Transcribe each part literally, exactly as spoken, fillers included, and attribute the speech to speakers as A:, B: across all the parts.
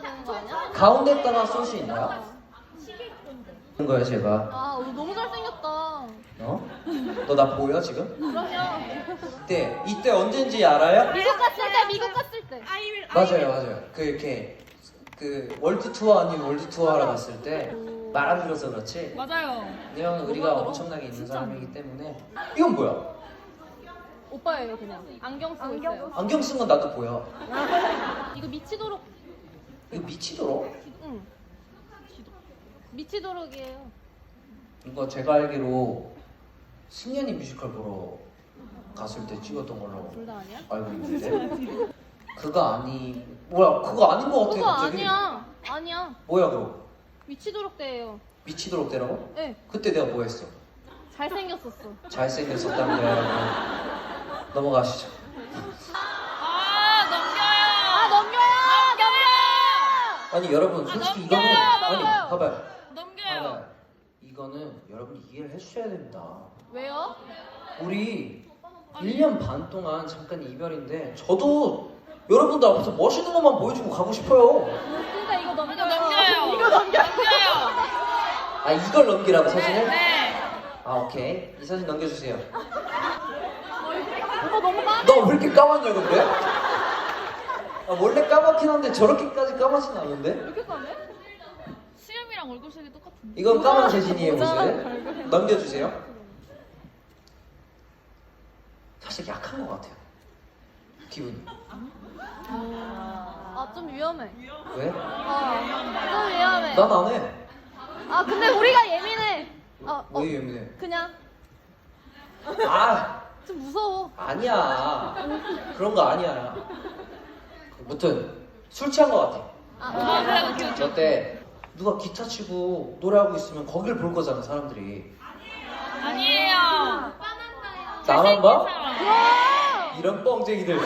A: 되는 거 아니야?
B: 가운데다가 쏠 수 있나요? 그런 거야 제가.
A: 아, 너 너무 잘생겼다.
B: 어? 너 나 보여 지금?
A: 그럼요.
B: 이때 이때 언젠지 알아요?
A: 미국 갔을 때, 미국 갔을 때.
B: 맞아요, 맞아요. 그 이렇게 그 월드 투어 아닌 월드 투어 하러 갔을 때 말 안 들어서 그렇지.
C: 맞아요.
B: 내형 의리가 엄청나게 있는 사람이기 때문에. 이건 뭐야?
A: 오빠예요, 그냥. 안경 쓰고 있어요.
B: 안경 쓴 건 나도 보여.
A: 이거 미치도록.
B: 이거 미치도록?
A: 응. 미치도록이에요.
B: 이거 제가 알기로 승연이 뮤지컬 보러 갔을 때 찍었던 걸로
A: 둘 다 아니야?
B: 알고 있는데 그거 아니 뭐야 그거 아닌 거 같아
A: 그거
B: 갑자기.
A: 아니야. 아니야.
B: 뭐야 그거?
A: 미치도록 때예요.
B: 미치도록 되라고?
A: 네.
B: 그때 내가 뭐 했어?
A: 잘생겼었어.
B: 잘생겼었다는 거야. 넘어가시죠.
C: 아 넘겨요.
A: 아, 넘겨요!
B: 아니 여러분 솔직히
C: 아,
B: 이거는
C: 넘겨요,
B: 아니
A: 넘겨요.
B: 봐봐요.
C: 넘겨요.
B: 봐봐요. 이거는 여러분이 이해를 해주셔야 됩니다.
A: 왜요?
B: 우리 일 년 반 동안 잠깐 이별인데 저도 여러분들 앞에서 멋있는 것만 보여주고 가고 싶어요.
A: 진짜 이거 넘겨요.
C: 이거 넘겨요.
A: 이거 넘겨.
C: 넘겨요.
B: 아 이걸 넘기라고 사진을?
C: 네. 네.
B: 아 오케이 이 사진 넘겨주세요.
A: 오빠 너무 나.
B: 너 왜 이렇게 까맣냐 근데? 아, 원래 까맣긴 한데 저렇게까지 까맣진 않은데?
A: 이렇게 까네?
C: 수염이랑 얼굴 색이 똑같은데.
B: 이건 까만 재진이의 모습. 넘겨주세요. 사실 약한 것 같아요. 기분이.
A: 아, 좀 위험해.
B: 왜?
A: 어, 좀 위험해.
B: 난 안 해.
A: 아, 근데 우리가 예민해. 아, 어,
B: 왜 예민해?
A: 그냥
B: 아
A: 좀 무서워.
B: 아니야. 그런 거 아니야. 무튼 술 취한 것 같아.
A: 아,
C: 아 그래 오케이 오케이.
B: 저때 누가 기타 치고 노래하고 있으면 거길 볼 거잖아 사람들이.
C: 아니에요.
B: 나만 봐?
A: 와!
B: 이런 뻥쟁이들.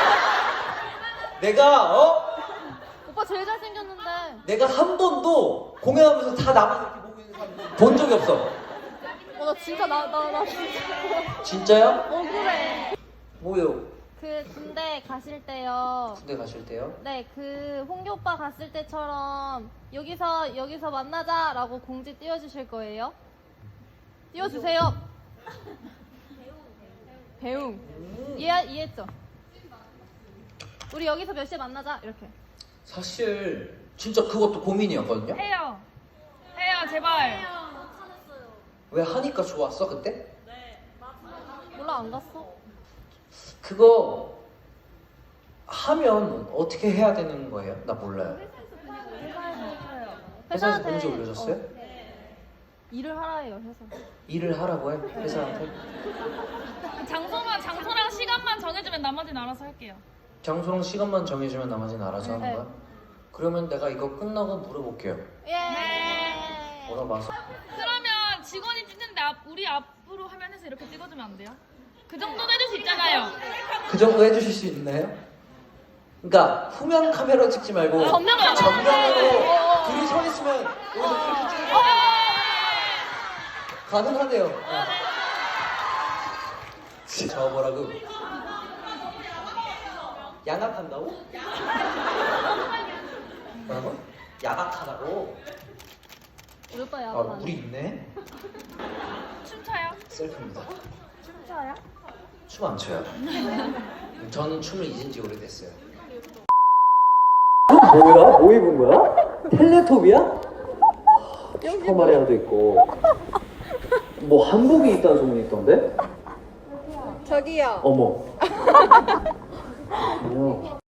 B: 내가 어?
A: 오빠 제일 잘생겼는데.
B: 내가 한 번도 공연하면서 다 나만 이렇게 보고 있는 사람 본 적이 없어.
A: 어, 나 진짜 나 나 나 진짜
B: 진짜야?
A: 억울해.
B: 뭐요?
A: 그 군대 가실 때요.
B: 군대 가실 때요?
A: 네, 그 홍교 오빠 갔을 때처럼 여기서 여기서 만나자라고 공지 띄워주실 거예요? 띄워주세요. 배웅.
B: 음.
A: 이해 이해했죠? 우리 여기서 몇 시에 만나자 이렇게.
B: 사실 진짜 그것도 고민이었거든요.
C: 해요. 해요 제발.
B: 왜 하니까 좋았어 그때?
A: 몰라 안 갔어.
B: 그거 하면 어떻게 해야 되는 거예요? 나 몰라요. 회사에서 공지 올려줬어요?
A: 어, 일을 하라 해요 회사.
B: 일을 하라고 해? 회사한테?
C: 장소만 장소랑 시간만 정해주면 나머지는 알아서 할게요.
B: 장소랑 시간만 정해주면 나머지는 알아서 하는
A: 네.
B: 거야? 그러면 내가 이거 끝나고 물어볼게요.
A: 예.
C: 네.
B: 물어봐서.
C: 그러면 직원이 찍는데 앞, 우리 앞으로 화면에서 이렇게 찍어주면 안 돼요? 그 정도는 해줄 수 있잖아요.
B: 그 정도 해주실 수 있나요? 그러니까 후면 카메라 찍지 말고
C: 전면으로.
B: 전면으로 둘이 서 있으면 여기서 이렇게 찍으면 가능하네요. 네. 저 뭐라고? 양악한다고? 뭐라고? 야각하다고?
A: 우리 오빠
B: 아
A: 야간.
B: 우리 있네?
C: 춤춰요?
B: 셀프입니다.
A: 춤춰요?
B: 춤 안 춰요. 저는 춤을 잊은 지 오래됐어요. 뭐야? 뭐 입은 거야? 텔레토비야? 슈퍼마리아도 있고 뭐 한복이 있다는 소문이 있던데?
D: 저기요.
B: 어머. 아니요.